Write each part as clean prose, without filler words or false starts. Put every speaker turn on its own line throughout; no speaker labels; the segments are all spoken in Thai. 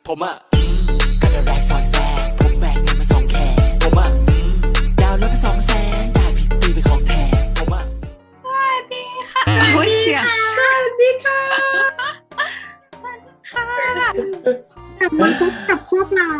ผมอะก็จะแรกซ้อนแรกผมแบกเงินมา2 แขนผมอะดาวน์รถไป200,000ได้พี่ตีเป็นของแถมผมอะ
สวัสดีค่ะโอ้ยเสียง
สวัสดีค่ะ
ค่ะ
กลับมาพบกับพวกเรา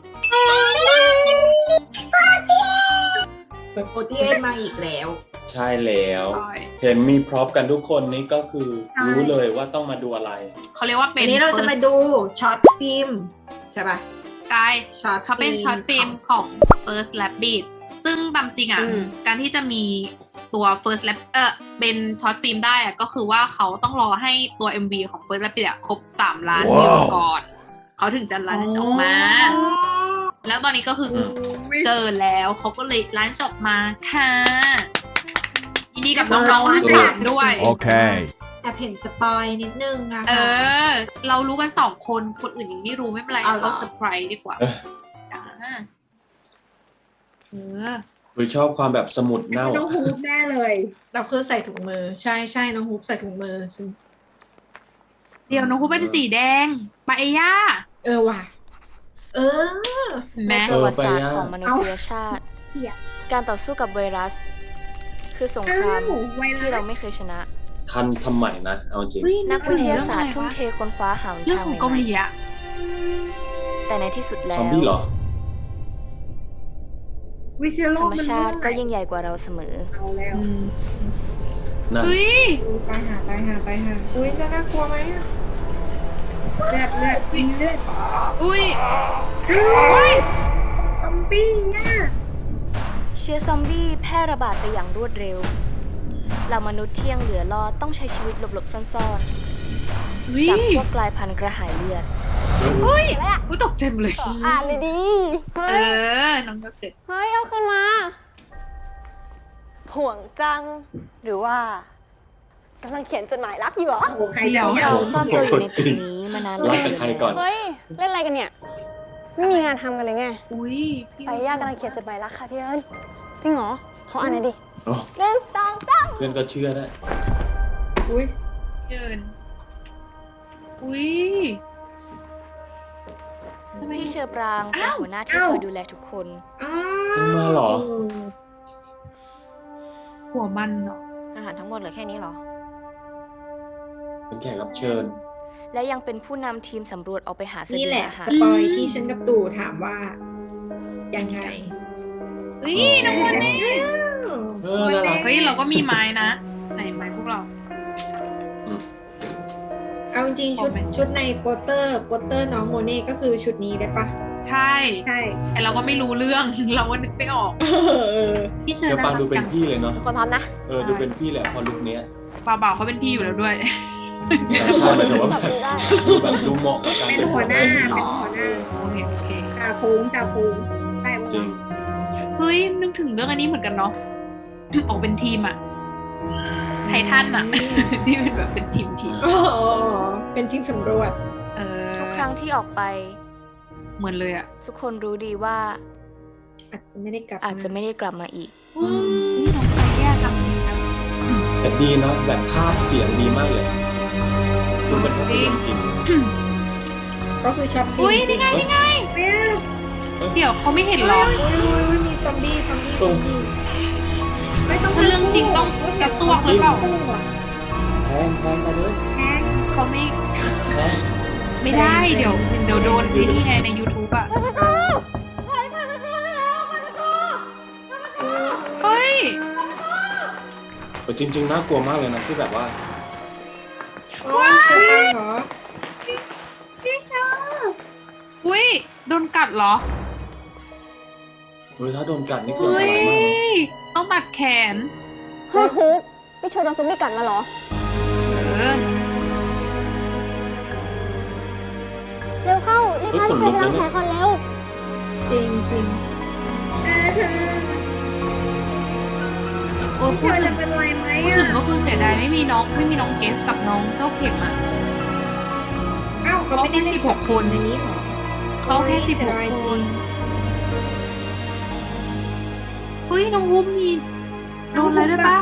โอทีเอมาอีกแล้ว
ใช่แล้วเห็นมีพร็อพกันทุกคนนี่ก็คือรู้เลยว่าต้องมาดูอะไร
เขาเรียกว่าเป็
วัน นนี้เราจะมาดูช็อตฟิล์มใช่ปะ
ใช่
ช็อต
เขาเป็นช็อตฟิล์มของ First Rabbit ซึ่งตามจริงอ่ะ การที่จะมีตัว First Rabbit เป็นช็อตฟิล์มได้อ่ะก็คือว่าเขาต้องรอให้ตัว MV ของ First Rabbit อ่ะครบ3 ล้านวิวก่อน เขาถึงจะลันช์ออกมา แล้วตอนนี้ก็คือเกินแล้วเขาก็เลยลันช์ออกมาค่ะยินดีกับน้องๆทั้งสามด้วย
Okay.
แต่เห็นสปอยนิดนึงนะคะ
เรารู้กัน2 คนคนอื่นยังไม่รู้ไม่เป็นไร
เอาเหรอ
เราเซอร์ไพรส์ดีกว่า
เออ คือชอบความแบบสมุดเน่า
น้องฮูปแน่เลย เราคือใส่ถุงมือ ใช่ใช่น้องฮูปใส่ถุงมือ
เดี๋ยวน้องคูเป็นสีแดงปาเอย่า
ว่ะ เออ
เห็นไหม
ในประวัติศาสตร์ของมนุษยชาติ
เหี้ย
การต่อสู้กับไวรัส คือสงครามที่เราไม่เคยชนะ
ทันสมัยนะ เอาจริง
เฮ้ย
นักวิทยาศาสตร์ทุ่มเทค้นคว้าหา
เรื่อง
ทาง
ข
ให
องเกาห
ม่
ลีอะ
ๆแต่ในที่สุดแล้
ซอ
ว
มบี้เหรอ
วิเชียรโล
ธรรมชาติก็ยิ่งใหญ่กว่าเราเสมอ
เอาแล้ว
นั่น
เฮ้ย
ไปหาอุ้ยจะน่ากลัวไหมอะเลือดกินเลือด
อุ้ย
ซอมบี้เนี่ย
เชื้อซอมบี้แพร่ระบาดไปอย่างรวดเร็ว เรามนุษย์ที่ยังเหลือรอดต้องใช้ชีวิตหลบๆซ่อน
อุ้ย
ๆจากพวกกลายพันธุ์กระหายเลือด
อุ้ยอุ้ยตกใจหมดเลย
อ่านดี
น้องก็เกิด
ๆเฮ้ย เอาขึ้นมา ห่วงจัง หรือว่ากำลังเขียนจดหมายรักอยู่เหรอ
โอ้ใคร
เดี๋ยว
เราซ่อนตัวอยู่ในตึกนี้มานาน
รักกับใครก่อน
เฮ้ย เล่นอะไรกันเนี่ย ไม่มีงานทำกันเลยไง
อุ้ยพี่
ไปย่ากำลังเขียนจดหมายรักค่ะพี่เอิญจริงเหรอ ขออ่านหน่อยดิ
โอ้
หนึ่งสองสาม
เพื่อนก็เชื่อได้
อุ้ย
เกินอุ้ยทำไม
พี่เชอปรางเป็นหัวหน้าที่คอยดูแลทุกคน
อ้า
จริงมาเหรอ
หัวมันเนาะ
อาหารทั้งหมดเหลือแค่นี้เหรอ
เป็นแขกรับเชิญ
และยังเป็นผู้นำทีมสำรวจออกไปหาเส
นี่
บี
แห
ยง
ละ
อา
ส
หาร
ปอยที่ฉันกับตู่ถามว่า ยังไง
อุ้ยน้องคนนี้
เออน่ารัก
เฮ้ยเราก็มีไม้นะไหนไม้พวกเรา
เอาจริงๆชุดในโปสเตอร์น้องโมเน่ก็คือชุดนี้ได้ปะ
ใช่
ใช่
แต่เราก็ไม่รู้เรื่อง เราก็นึกไม่ออกพี่เชิญ
เดี๋ยว
นะ
ฟังดูเป็นพี่เลยเนาะ
ทุกคนพร้อมนะ
ดูเป็นพี่แหละพอลุคเนี้ย
บ่าวๆเขาเป็นพี่อยู่แล้วด้วย
ใช่แต่ว่า
ตอบดีได้
ดูแบบดูเหมาะกับการ
เป็นหัวหน้า
โอเคโอเค
จ่าภูมิได้ปะ
จริง
เฮ้ยนึกถึงเรื่องอันนี้เหมือนกันเนาะ ออกเป็นทีมอะไททันอะ ที่เป็นแบบเป็นทีม
อ๋อเป็นทีมสำรวจ
ทุกครั้งที่ออกไป
เหมือนเลยอะ
ทุกคนรู้ดีว่า
อาจจะไม่ได้กลับ
อาจจะไม่ได้กลับมาอีก
นี่น้องใครแย่ทำดีนะ
แต่ดีเนาะแบบภาพเสียงดีมากเลย ดูเป็นภาพยนตร์จริง
ก็คือช็อปปิ้ง
อุ้ยนี่ไงนี่ไง
เฮ้ย
เดี๋ยวเขาไม่เห็นหรอ
มีซอมบี้
ตรง
ไม่ต้อง
เรื่องจริงต้องกระซวกหรือเปล่า
แพงไปเลย
เขาไม่
แพง
ไม่ได้ เดี๋ยวโดนที่นี่ไงใน YouTube อะเฮ้ย
แต่จริง ๆ น่ากลัวมากเลยนะที่แบบว่า
ว้าวเหรอ
อุ้ยโดนกัดเหรอ
เฮ้ยถ้าโดนกัดนี่คืออัน
เฮ้
ตรายมากนะ
ยต้องตัดแขน
เฮ้ยฮุกพี่เชิญโดนซอมบี้กัดมาเหรอ
เออ
เร็วเข้า รีบพาพี่เชิญไปล้างแผลก่อนเร็ว
จริง
โอ้พูดถึงก็คือเสียดายไม่มีน้องเกสกับน้องเจ้าเข็มอ่ะ
อ้าวเขาไม่ได้เล่น
16 คน
ในนี้หรอ
เขาแค่16 คนเฮ้ยน้องวุ้มมีโดนอะไรด้วยปะ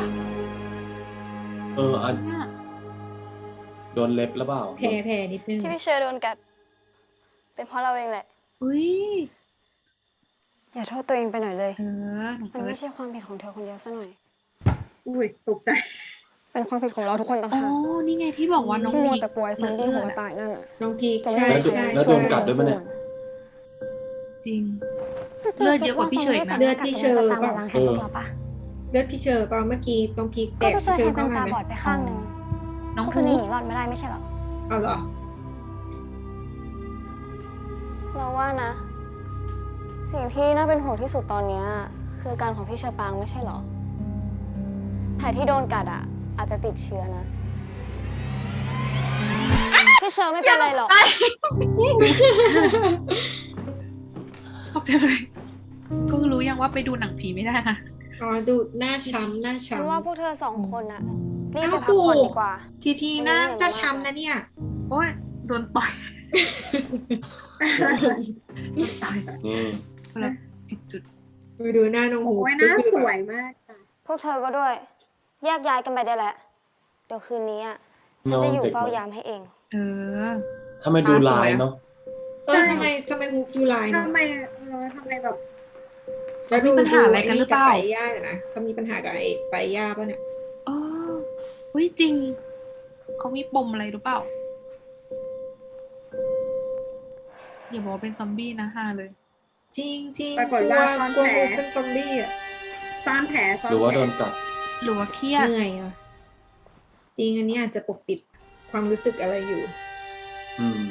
อันโดนเล็บหรือเปล่า
แผลนิดนึง
ที่พี่เชิญโดนกัดเป็นเพราะเราเองแหละ
อุ้ย
อย่าโทษตัวเองไปหน่อยเลย
หนู
มัน
เฟิร์
ไม่
ส
ใช่ความผิดของเธอคนเดียวซะหน่อย
อุ้ยตกใจ
เป็นความผิดของเราทุกคนต่าง
อ๋อ
หาก
นี่ไงที่บอกว่าน้อง
ที่มัว
พีค
แต่กลัวไอ้ซอมบี้หัวตายนั่นอ่ะ
น้องพีค
จะไม่
ใช่
มีใคร
ใช่
แล้วโดนกัดด้วยปะเนี่ย
จริง เลือดเยอะกว่าพี่เฉยนะ
เลือดพี่เชอร์
จะตามมาล้างแค้นพวกเราปะ
เลือดพี่เชอร์เปล่าเมื่อกี้น้องพีคแต
ก็
ก
ไปช่วย
พี่เช
ใค
อ
ร
ร์
เป็
เข้าน มา
ตา
ไหม
บอดไปข้างหนึ่ง
น้อง
พว
ทู
กนี้หนีรอดไม่ได้ไม่ใช่หรอ
เอาเหรอ
เราว่านะ สิ่งที่น่าเป็นห่วงที่สุดตอนเนี้ยคืออาการของพี่เชอปางไม่ใช่หรอ แผลที่โดนกัดอ่ะ อาจจะติดเชื้อนะ พี่เชอไม่เป็นไรหรอก
ขอบใจเลยก็รู้ยังว่าไปดูหนังผีไม่ได้นะ
อ๋อดูหน้าช้ำหน้า
ฉัน
ช้ำ
ว่าพวกเธอสองคนอะรีบไป
อ้าว
พักผ่อน
ถูก
ดีกว่า
ทีหน้าหน้าช้ำนะเนี่ย
โอ้ยโดนต่อยตาย
นี่
คนละอีกจุด
ไปดูหน้าน้องหู
โอ้ย
ก็
น่า
คือ
ส
แบบ
วยมากค่ะ
พวกเธอก็ด้วย แยกย้ายกันไปได้แหละ เดี๋ยวคืนนี้อะฉันจะอยู่เฝ้ายามให้เอง
เออ
ถ้าไม่ดูลายเนาะ
ทำไมฮุกดูลายเนาะ
ทำไมแบบ
แล้วดู
มีปัญหาอะไรกันหรือเปล่า
ไอ้ย่านะเขามีปัญหากับไอ้ไปย่าป่ะเนี่ย
เออเฮ้ยจริง เขามีปมอะไรหรือเปล่า อย่าบอกว่าเป็นซอมบี้นะฮาเลย
จริงจริง
ปรากฏว่าซ่อน
กลัว
แผล
เป็นซอมบี้อ่ะ
ซ่อนแผลซ่อน
หรือว่า
แผล
โดนกัด
หรือว่าเครียด
เหนื่อยอ่ะจริงอันนี้อาจจะปกปิดความรู้สึกอะไรอยู่
อืม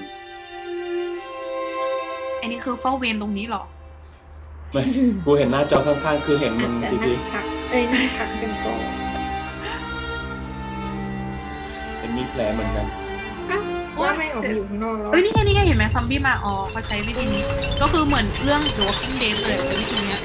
อันนี้คือเฝ้าเวรตรงนี้เหรอ
ไม่ กูเห็นหน้าจอข้างๆ คือเห็นมึ
อาจ
ง
จะ
ดี
นั่งพักนั่งพักกันก่อน
ๆเห็นมีแผลเหมือนกัน
อ้าวว่าไม่ออกมาอยู่ข้างนอกแล้ว
เอ้ยนี่ไงเห็นไหมซอมบี้มาอ๋อเขาใช้วิธีนี้ ก็คือเหมือนเรื่อง The Walking Dead เลยเป็นวิธีเนี้ย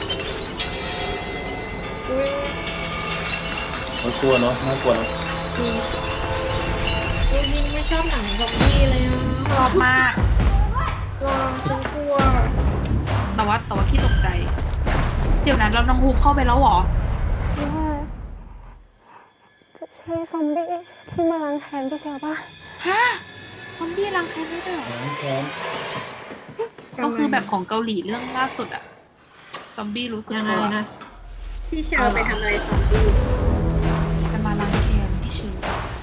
อุ้ย
มันกลัวเนาะน่ากลัวเนาะ
จริงจริงไม่ชอบหนังซอมบี้เลยอ่ะ
ชอบมาก
ว้าวฉันกลัว
แต่ว่าพี่ตกใจ เดี๋ยวนั้นเราน้องฮูกเข้าไปแล้วเหรอ
ว่าจะใช่ซอมบี้ที่มาล้างแค้นพี่เชอป่ะ
ฮะ ซอมบี้รังแค้นได้ด้วยเหรอ
ล้างแค้น
ก็คือแบบของเกาหลีเรื่องล่าสุดอะซอมบี้รู้สึก
ยังไง
ตัว
นะ
พี่เชอร์ไปทำอะไรซอมบี้
จะมาล้างแค้นพี่ชื่อ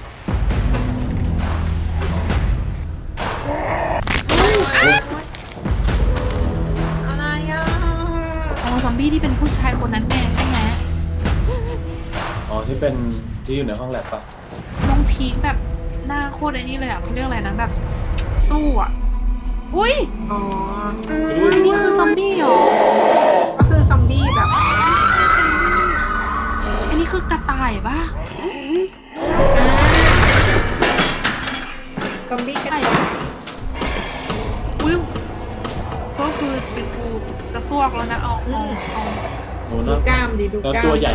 อะไรอ่ะ
อ๋อซอมบี้ที่เป็นผู้ชายคนนั้นแน่ใช่ไหม
อ๋อที่เป็นที่อยู่ในห้องแลบปะ
น้องพีคแบบหน้าโคตรไอ้นี่เลยอะเขาเรียกอะไรนะแบบ สู้อะอุ้ย
อ๋อ
อันนี้คือซอมบี้เหรอ
ก็คือซอมบี้แบบ
อันนี้คือกระต่ายปะ
ซอมบี้กระ
ใช่
ต่าย
อุ้ยก็คือเป็นกูกระซวกแล้วนะเอา
อืม
โอ้
ดู
น่าก
ล้ามดิดู
แล้ว
กล้าม
ตัวใหญ่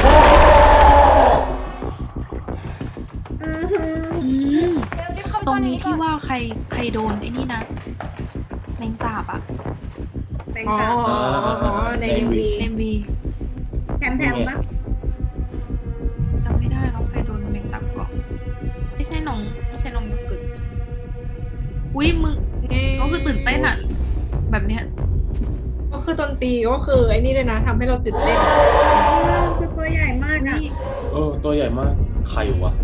อืมตรงนี้ที่ว่าใครโดนไอ้นี่นะแมงสาบอะ
แตง
อ๋อ
สาว
อ๋อในเอ็มวี
เอ็มวี
แถมปะ
จำไม่ได้แล้วใครโดนแมงสาบก่อนไม่ใช่น้องโยเกิร์ตอุ้ยมึงก็คือตื่นเต้นอะแบบเนี้ย
ก็คือดนตรีก็คือไอ้นี่เลยนะทำให้เราตื่นเต้น
คือตัวใหญ่มากอ่ะ
นี่
ตัวใหญ่มากใครวะ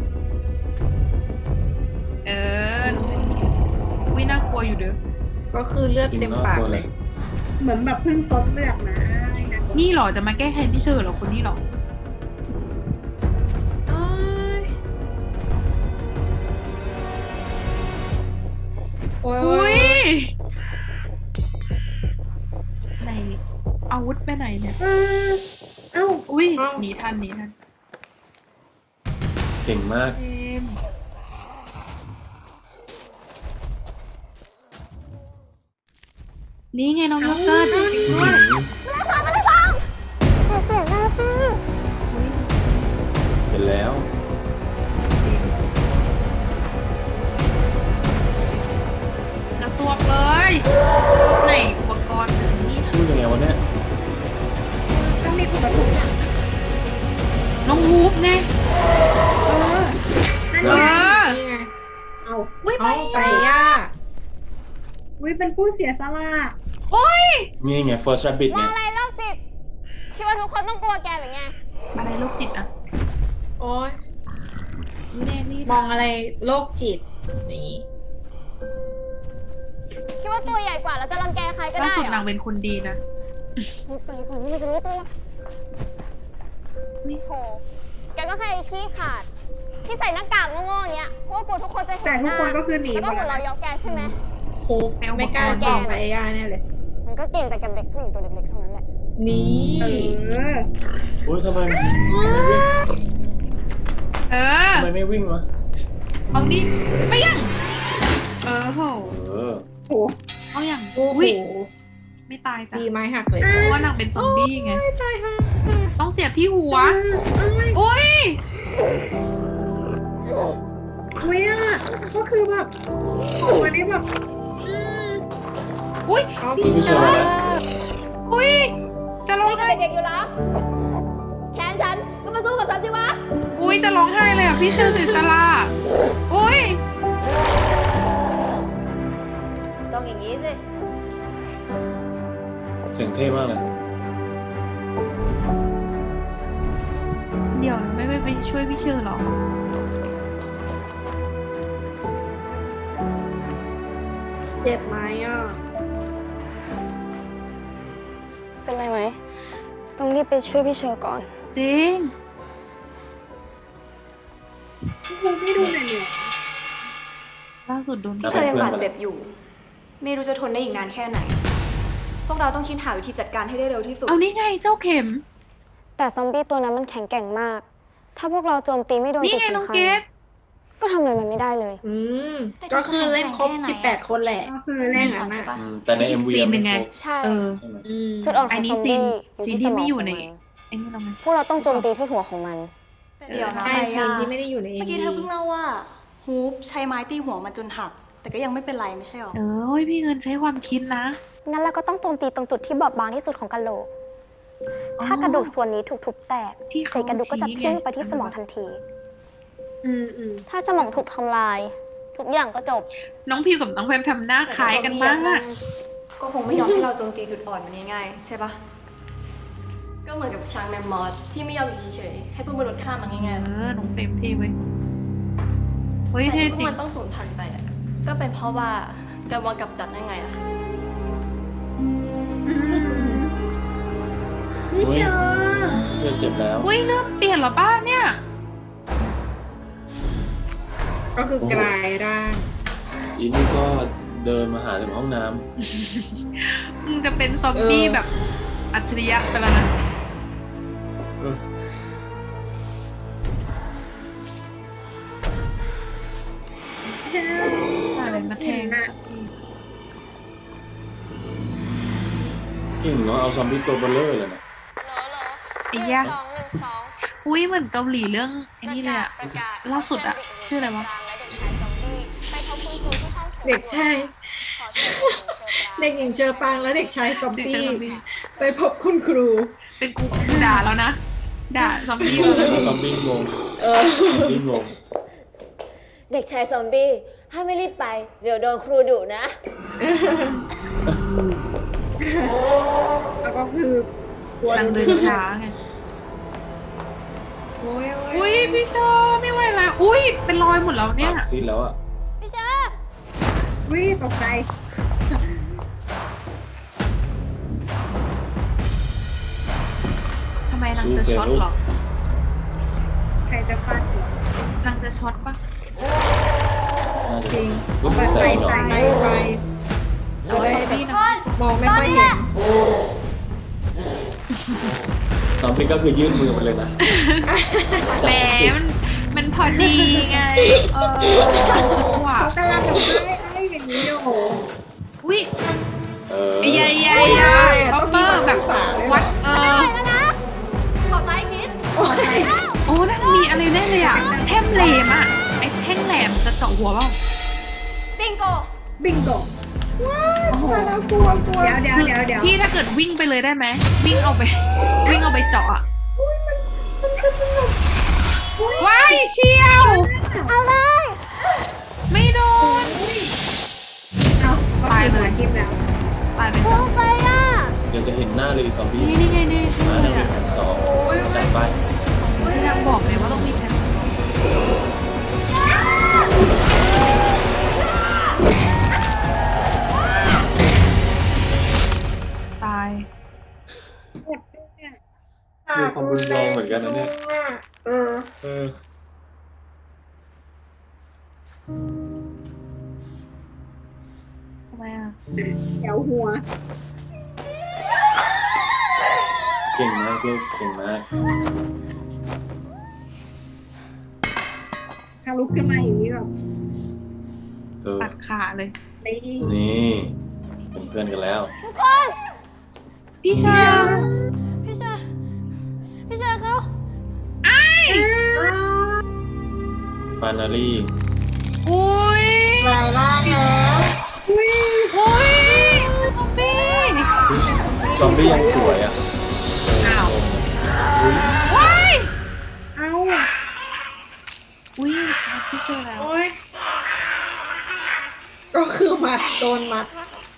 เอออุ้ยน่ากลัวอยู่เด้อ
ก็คือเลือด
จริง
เต็ม
น่า
ปาก
กลัว
เล
เลย ย
เหมือนแบบเพิ่งซดเลือดมานะ
นี่เหรอจะมาแก้แค้นพี่เชอร์เหรอคนนี้เหรอ
โอ๊ยโอ้ย
อุ้ยไหนอาวุธไปไหนเนี่ย
เอ้า
อุ้ยหนีทัน
เก่งมาก
เอมนี่ไงน้องโยเกิร์ตจริงๆด้วย
เสียงหน้าซิ
เห็นแล้ว
กระซวกเลยไหนอุปกรณ์นี่
ชื่อยังไงวะเนี่ย
ต้องมีคนมาถูก
น้องฮูปไง
นั่น
เอ
ไง
อ
นี่ไง
เอา
อุ้ย
เอา
ไป
ไปย่า
อุ้ยเป็นผู้เสียสละ
โอ้ย
นี่ไง First Rabbit
ว่า
ไง
อะไรโรคจิต คิดว่าทุกคนต้องกลัวแกหรือไง
อะไรโรคจิตอะ
โอ้ย
ไม่ได้นี่
มองอะไรโรคจิตนี่
คิดว่าตัวใหญ่กว่าแล้วจะรังแกใครก็
ล่า
ได้
สุด
เหร
นา
อง
เป็นคนดีนะ
รีบไปก่อนที่มันจะรู้ตัวโถแกก็แค่ไอ้ขี้ขาด ที่ใส่หน้ากากโง่ๆเนี้ยเพราะว่ากลัวทุกคนจะเห็น
แต่
ห
ทุก
น้า
คนก็คือหนี
แล้ว
หม
ก็
ด
หัว
แล้ว
เราะเยาะแกใช่ไหม
คุกไม่กล้าเก่งไปย่าแน่เลย
มันก็เก่งแต่กับเด็กผู้หญิงตัวเล็กๆเท่านั้นแหละ
นี่
อุ้ยทำไม
เออ
ทำไมไม่วิ่งวะ
เอาดิไปยังโห
เออ
โอ้
เอาอย่าง
โอ้โห
อุ้ยไม่ตายจ้ะ
ดีไม้หักเลย
เพราะว่านางเป็นซอมบี้ไงต้องเสียบที่หัวอุ้ย
อุ้ยอ่ะก็คือแบบโอ้ยนี่แบบ
อุ้ย
เอา
พี่เชื่อแล้ว
อุ้ยจะร้อง
นี่ก็
ไห้
เด็กๆอยู่แล้วแค้นฉันก็มาสู้กับฉันสิวะ
อุ้ยจะร้องไห้เลยอ่ะพี่เชื่อสิสลาอุ้ย
ต้องอย่างนี้สิ
เสียงเท่มากเลย
เดี๋ยวไม่ไปช่วยพี่เชื่อหรอ
เจ็บไหมอ่ะ
เป็นไรไหม ต้องรีบไปช่วยพี่เชอร์ก่อน
จริง
คงไม่ดูเหนื่อย
ล่าสุดโดน
พี่
พี่เชยยังบาดเจ็บอยู่ ไม่รู้จะทนได้อีกนานแค่ไหน พวกเราต้องคิดหาวิธีจัดการให้ได้เร็วที่สุด
เอานี่ไงเจ้าเข็ม
แต่ซอมบี้ตัวนั้นมันแข็งแกร่งมาก ถ้าพวกเราโจมตีไม่โดน
นี่
จุด
ไงน้อง
สำคัญ
เกด
ก็ทำอะไรมันไม่ได้เลย
ก็คือเล่นครบ18 คนแหละ
ก็คือเล่นอ่ะนะ
แต่ใน MV
ซีนหนึ่งไง
ใช่
เออ
ใช่ไหม
จุดอ่อนข
อั
อน ง
นี้
ซอม
ซีน
บี้
ซีน
ที่
ที่
สม
ไม่
อง
อยู่
ของ
ใน
มัน
ไอ้นี่เราไหม
พวกเราต้องโจมตีที่หัวของมัน
เดี๋ยวนะ
ใช่
ไป
เพล
อ่ะ
งที่ไม่ได้อยู่ใน
เมื่อกี้เธอเพิ่งเล่าว่าฮูปใช้ไม้ตีหัวมันจนหัก แต่ก็ยังไม่เป็นไรไม่ใช่หรอ
เออเฮ้ยพี่เงินใช้ความคิดนะ
งั้นเราก็ต้องโจมตีตรงจุดที่บอบบางที่สุดของกะโหลก
อ๋อ
ถ้ากระดูกส่วนนี้ถูกทุบแตก
ที่เขา
เศษกระดูกก็จะ
ชี้ไง
ทิ้งลงไปที่สมองทันที
อืม
ถ้าสมองถูกทำลาย ทุกอย่างก็จบ
น้องพิวกับน้องแพมทำหน้าคล้ายกันมาก
ก็คงไม่ยอมให้เราโจมตีจุดอ่อนมันง่ายๆใช่ปะก็เหมือนกับช้างแมมมอสที่ไม่ยอมอยู่เฉยๆให้พวกมนุษย์ฆ่ามันง่าย
เออน้องเฟรมเท่เว้ยเฮ้ย
ๆแต่
เท่
ที่พว
จริง
กมันต้องสูญพันธุ์ไปอะก็เป็นเพราะว่าการวางกับดักยังไงอะ
นี่
อุ้ย
เชียว
เชื่อเจ็บแล้ว
อุ้ยเริ่มเปลี่ยนเหรอป้าเนี่ย
ก็คือกลายร่าง
อีนี่ก็เดินมาหาถึงห้องน้
มึงจะเป็นซอมบี้แบบอัจฉริยะไปแล้วนะ
ำ
อะไรมาแทงสักที
เก่งเนาะเอาซอมบี้ตัวเบลเลอร์เลยนะ
ไอ้ยะอุ้ยเหมือนเกาหลีเรื่องไอ้นี่เลยอะล่าสุดอะชื่ออะไรวะ
เด็กชายเด็กหญิงเชอปางและเด็กชายซอม
เด็ก
บี้
ชายซอมบี้
ไปพบคุณครู
เป็นกูด่าแล้วนะ ด่าซอมบี้
งง
แล้วนะ
ซอมบี้งง
เออ
ซอมบี้งง
เด็กชายซอมบี้ถ้าไม่รีบไป เดี๋ยวโดนครูดุนะ
แล้วก็คือก
ำลังเดินช้าไง
โอ้ย
อุ้ยพี่ชอบไม่ไหวแล้วอุ้ยเป็นรอยหมดแล้วเนี่ย
ปากซีดแล้วอ่ะ
พี่เชอร์
วิ่งตกใจ
ทำไมนางจะช็อตเหรอ
ใครจะฟาดหัวน
างจะช็อตปะ
น่าจะ
จริง
รู้สึกแสงเหรอ
ไปไป
เอาซอมบี้นะ
มองไม่ค่อยเห็น
ซอมบี้ก็คือยื่นมือไปเลยนะ
แหมมันพอดีไง เออว่ะ
เขากำลังจะไอ้อย่างนี้โอ้โห
อุ้ย
เออ
ใหญ่บัฟเฟอร์แบบวัด
ขอซ้ายอีกนิด
โอ้นั่นมีอะไรแน่เลยอ่ะแท่งแหลมอ่ะไอ้แท่งแหลมจะเจาะหัวเปล่า
บิงโก
บิงโกว้าวน่ากลัวเดี๋ยว
คือพี่ถ้าเกิดวิ่งไปเลยได้ไหมวิ่งเอาไปเจาะอ่ะว้ายเชียว
เอาเลย
ไม่โดน
เอา
ไปายเลย
ทิมแล้ว
ตายไป
โอ้ไปอ่ะ
เดี๋ยวจะเห็นหน้าเลยซอมบี้
นี่ไงนี่
มาหน้าเลยสองจัดไป
พยายามบอกเลยว่าต้องมีแผนตาย
มีความรุนแรงเหมือนกันนะเนี่ย
เออ
เออ
ทำไมอ่ะ
แถวหัว
เก่งมากลูกเก่งมาก
ถ้าลุกขึ้นมาอย่างนี้แบบ
เออ
ตัดขาเลย
นี่
นี่เป็นเพื่อนกันแล้ว
ทุกคน
พี่ชา
พี่เชอร์พี่เชอร์เขา
ฟานารี
อุ้ย
ลายล่างแล้ว
อุ้ยซอมบี้
ซอมบี้ยังสวยอ่ะ
อ้าว
อุ๊ย
ว้าย
เอ้า
อุ้ยพี่เชอร์แล้ว
โอ้ยก็คือมัดโดนมัด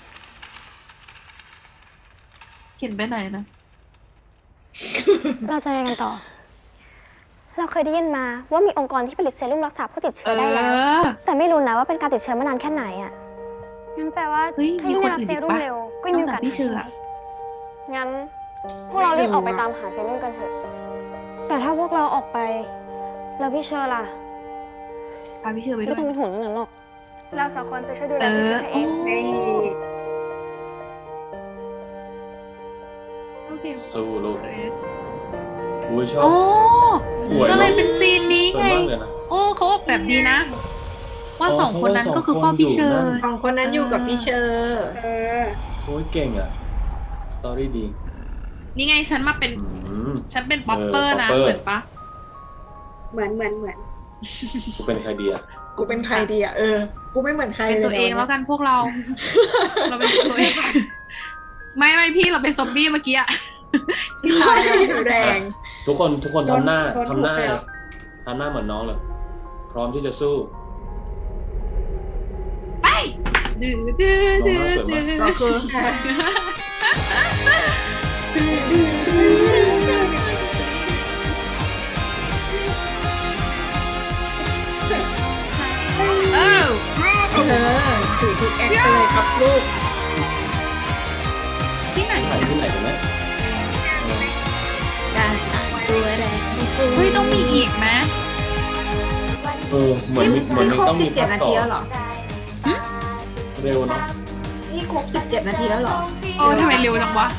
เขียนไปไหนนะ
เราจะยังไงกันต่อ เราเคยได้ยินมาว่ามีองค์กรที่ผลิตเซรุ่มรักษาผู้ติดเชื้อได้แล้ว แต่ไม่รู้นะว่าเป็นการติดเชื้อมานานแค่ไหนอ่ะ งั้นแปลว่า
เฮ้ย
ถ้ายิ่ง
มี
ได้
คน
รับ
อื่น
เซ
อีก
รุ่ม
ปะ
เร็ว ก็มีโอกาส
นอกจากพี่
หาย
เชื่
ใช่
อ
ไหมงั้น พวกเรารีบออกไปตามหาเซรุ่มกันเถอะ แต่ถ้าพวกเราออกไป แล้วพี่เชอร์ล่ะ
พาพี่เชอร์ไปด้
ไม่
วย
ต้องเป็นห่วงเรื่องนั้นหรอก เราสองคนจะช่วยดูแลพี่เชอร์ให้เอง
นี่
โอเค
สู้ลูก
เกรซ
อุ้ยชอ
โอ้
บสวย
ก็เลย
เนอะ
เป็นซีนนี้
สวย
ไง
มากเลยนะ
โอ้เขาออกแบบดีนะ ว่า
อ๋อ
สองคนนั้นก็คือ
เพ
พ่อ
ราะว่า
พี่เชอ
สองคนอยู่
ร์
นั่น
สองคนนั้นอยู่กับพี่เชอร์
เออ
โอ้ยเก่งอ่ะ สตอรี่ดี
นี่ไงฉันมาเป็น
อืม
ฉันเป็นป๊อปเปอร์นะ
ป๊อปเปอร์
เหมือนปะ
เหมือน
กูเป็นใครดีอ่ะ
กูเป็นใครดีอ่ะ กูไม่เหมือนใคร
เป็น
เลย
ตัวเองแล้วกันพวกเรา เราเป็นตัวเอง ไม่พี่เราเป็นซอมบี้เมื่อกี้อะ
ที่ตายแล้วดูแรง
ทุกคนทำหน้า
โดน
ทำหน้า
ถูกแล้ว
ทำหน้าเหมือนน้องเลย พร้อมที่จะสู้
ไปดื้อดื้อดื้อ
น้องน่าสวยมาก
ดื้อ
ก็คือ
เออ
ถือทุกแอคเลยครับลูก
ที่ไหน
ถ่ายที่ไหนกันไหม
การตัวแรง
เฮ้ยต้องมีอีกไหม
เหมือนมีต้องมีภาคต่อ
เหรอ
เร็วเนาะ
นี่ครบ17 นาทีแล้วเหรอ
โอ้ทำไมเร็วจังวะ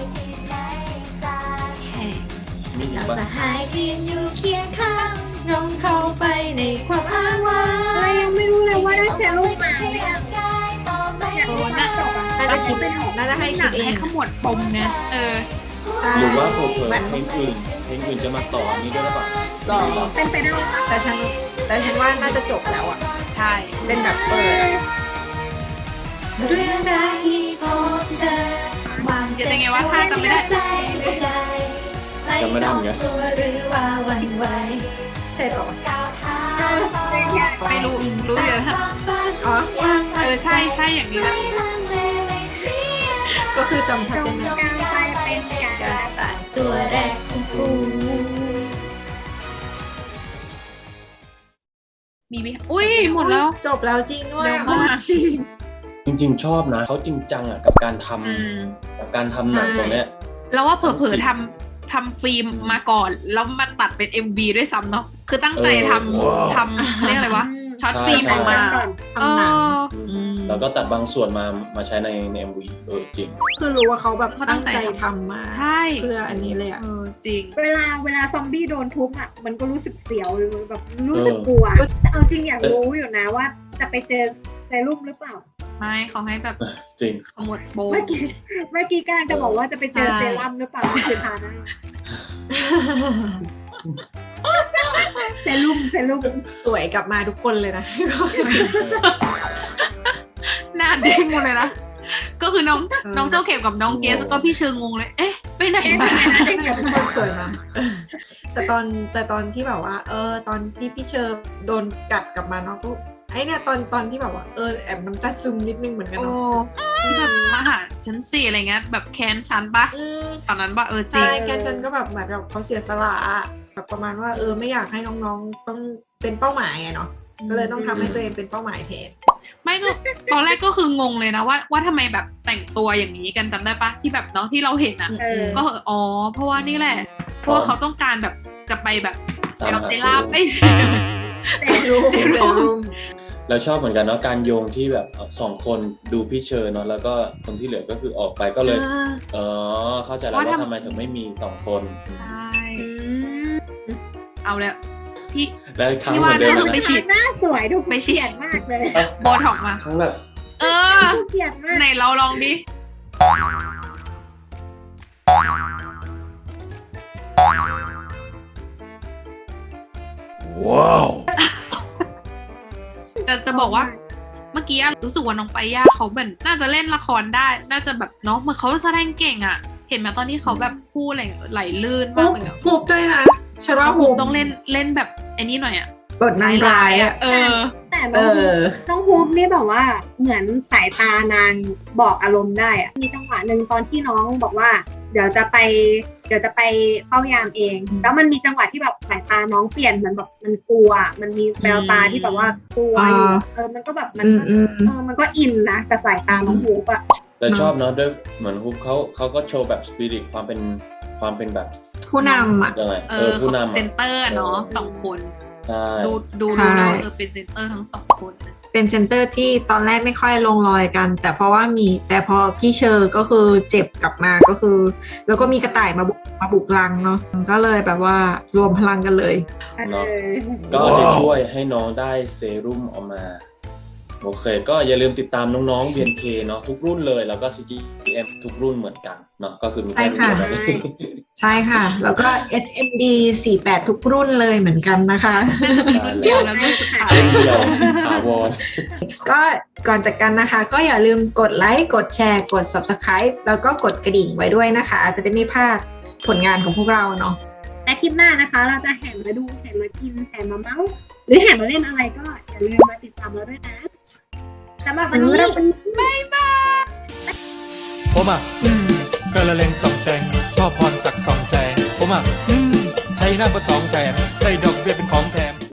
แหม
มีอีก
เรา
ปะ
จะหายเพียงอยู่เคียงข้างน้องเข้าไปในความอ้างว้าง
เรายังไม่รู้เลยว่าได้เซรุ่มมาหรือยัง
โดนอะ
น่าจะคิดน่าจะให้
ห
คิ
นั
ด
ง
เอ
ให้
ง
ขมวดปมไง
หรือว่าเผลอๆเพลงอื่นจะมาต่อนี้ด้วยหรือเปล่า
หรอ
เป็นไปได้ปะ
แต่ฉันว่าน่าจะจบแล้วอ่ะ
ใช่
เป็นแบบเปิดเรื่องราวที่พบเจอความ
จะยังไงว่าถ้าจำไม่ได้
จำไม่ได้เหมือนกัน
ตัวหรือว่าหวันไหวใช่ปะวะ
ไม่รู้อยู่นะ
อ๋อ
ใช่อย่างนี้แหละ
ก็คือจำชัด
ตร
เจ
ง
น
กลางไปเป็นการ
การตัดตัวแรกของกู
มีวิอุ้ยหมดแล้ว
จบแล้วจริงด้วย
เร็วมาก
จริงๆชอบนะเขาจริงจังอ่ะกับการทำ
อืม
กับการทำหนังตรงเนี้ย
แล้วว่าเผลอๆทำฟิล์มมาก่อน แล้วมาตัดเป็น MV ด้วยซ้ำเนาะคือตั้งใจทำเรียกอะไรวะช็อตฟิล์มออกมา
ทำหนัง
แล้วก็ตัดบางส่วนมาใช้ใน MV จริง
คือรู้ว่าเขาแบบ
เขาตั้
ตั้
ง
ง
ใจ
ใจทำมา
ใช่
เพื่ออันนี้เลยอ่ะ
จริง
เวลาซอมบี้โดนทุบอ่ะมันก็รู้สึกเสียวแบบรู้สึกกลัวแต่เอาจริงอยากรู้อยู่นะว่าจะไปเจอเซรุ่มหรือเปล่า
ไม่เขาให้แบบ
จริง
ขมวดโปม
เมื่อกี้กำลังจะบอกว่าจะไปเจอเซรั่มหรือเปล่าที่คือทาหน้าเซรุ่ม
สวยกลับมาทุกคนเลยนะ
หน้าเด้งหมดเลยนะ ก็คือน้องเจ้าเข็มกับน้องเกสก็พี่เชิงงงเลย เอ๊ะ ไปไหนมา
ทุกคนสวยมากแต่ตอนที่แบบว่า ตอนที่พี่เชอร์โดนกัดกลับมาเนาะก็ไอ้เนี่ยตอนที่แบบว่าแอบน้ำตาซึมนิดนึงเหมือนกัน
โอ้
เนาะ
ที่แบบมาหาชั้นสี่อะไรเงี้ยแบบแค้นชั้นปะ
อืม
ตอนนั้นปะจริ
ใช่
ง
แกนจันก็แบบเหมือนแบบเขาเสียสละอะแบบประมาณว่าไม่อยากให้น้องๆต้องเป็นเป้าหมายอะเนาะก็เลยต้องทำให้ตัวเองเป็นเป้าหมายแทน
ไม่ก็ตอนแรกก็คืองงเลยนะว่าทำไมแบบแต่งตัวอย่างนี้กันจำได้ปะที่แบบเนาะที่เราเห็นอ่ะ ก็เพราะว่านี่แหละ เพราะว่าเขาต้องการแบบจะไปแบบไปเอาเซรั่มไอ้เซรั่ม
เราชอบเหมือนกันเนาะการโยงที่แบบสองคนดูพี่เชอร์เนาะแล้วก็คนที่เหลือก็คือออกไปก็เลยเข้าใจแล้วว่าทำไมถึงไม่มีสองคน
ใช่เอาแล้วพี่
แล้วครั้ง
พี่
เหมื
ว่า
อนเดิ
ก็
ม
คือไป
นะ
ฉีด
หน้าสวยดู
ไปฉีด
เกลียดมากเลย
โบท็อกมา
ครั้งแบบ
เออ
ดูเกลียดมาก
ไหนเราลองดิ
ว้าว
จะบอกว่าเมื่อกี้รู้สึกว่าน้องไปย่าเขาแบบน่าจะเล่นละครได้ น่าจะแบบเนาะเหมือนเขาแสดงเก่งอ่ะ เห็นไหมตอนที่เขาแบบพูดอะไรไหลลื่นมากเลยอะ
ฮูบด้วยนะฉันว่า
ฮู
ฮู
บบ ต้องเล่นแบบไอ้นี่หน่อยอ่ะ
บทนางร้ายอ่ะ
เออ
แต่น้องฮูปนี่แบบว่าเหมือนสายตานางบอกอารมณ์ได้อะมีจังหวะหนึ่งตอนที่น้องบอกว่า เดี๋ยวจะไปเฝ้ายามเอง แล้วมันมีจังหวะที่แบบสายตาน้องเปลี่ยนเหมือนแบบมันกลัว มันมีแววตาที่แบบว่ากลัวอยู่มันก็แบบมันก็อินนะกับสายตาน้องฮูปอะ
แต่ชอบเนาะด้วยเหมือนฮุบเขาก็โชว์แบบสปิริตความเป็นแบบ
ผู้นำอ่ะ
ยังไง
เขา
ผู้นำ
เซนเตอร์เนาะสองคน
ใช่
ดู
ใช่
แล้วเป็นเซนเตอร์ทั้งสองคน
เป็นเซนเตอร์ที่ตอนแรกไม่ค่อยลงรอยกัน แต่เพราะว่าแต่พอพี่เชอร์ก็คือเจ็บกลับมาก็คือ แล้วก็มีกระต่ายมาบุกรังเนาะก็เลยแบบว่ารวมพลังกันเลย
เนาะก็จะช่วยให้น้องได้เซรุ่มออกมาโอเคก็อย่าลืมติดตามน้องๆ BNK เนาะทุกรุ่นเลยแล้วก็ CGM ทุกรุ่นเหมือนกันเนาะก็คือมีแค่รุ่นเดียวกัน
ใช่ค่ะ แล้วก็ SMD 48 ทุกรุ่นเลยเหมือนกันนะคะ
น่าจะมีรุ่นเดียวแล้วรุ่นสุดท้าย
รุ่นเดียวถาวร
ก็ก่อนจากกันนะคะ ก็อย่าลืมกดไลค์กดแชร์กด Subscribe แล้วก็กดกระดิ่งไว้ด้วยนะคะ จะได้ไม่พลาดผลงานของพวกเราเนาะ
และคลิปหน้านะคะ เราจะแห่มาดูแห่มากินแห่มาเมาส์หรือแห่มาเล่นอะไรก็อย่าลืมมาติดตามเราด้วยนะสำหรับวันนี้บ๊ายบาย
ผมอ่ะกระเลงตกแต่งชอบพรศักดิ์สองแสงผมอ่ะให้หน้าก็200,000ได้ดอกเบี้ยเป็นของแถม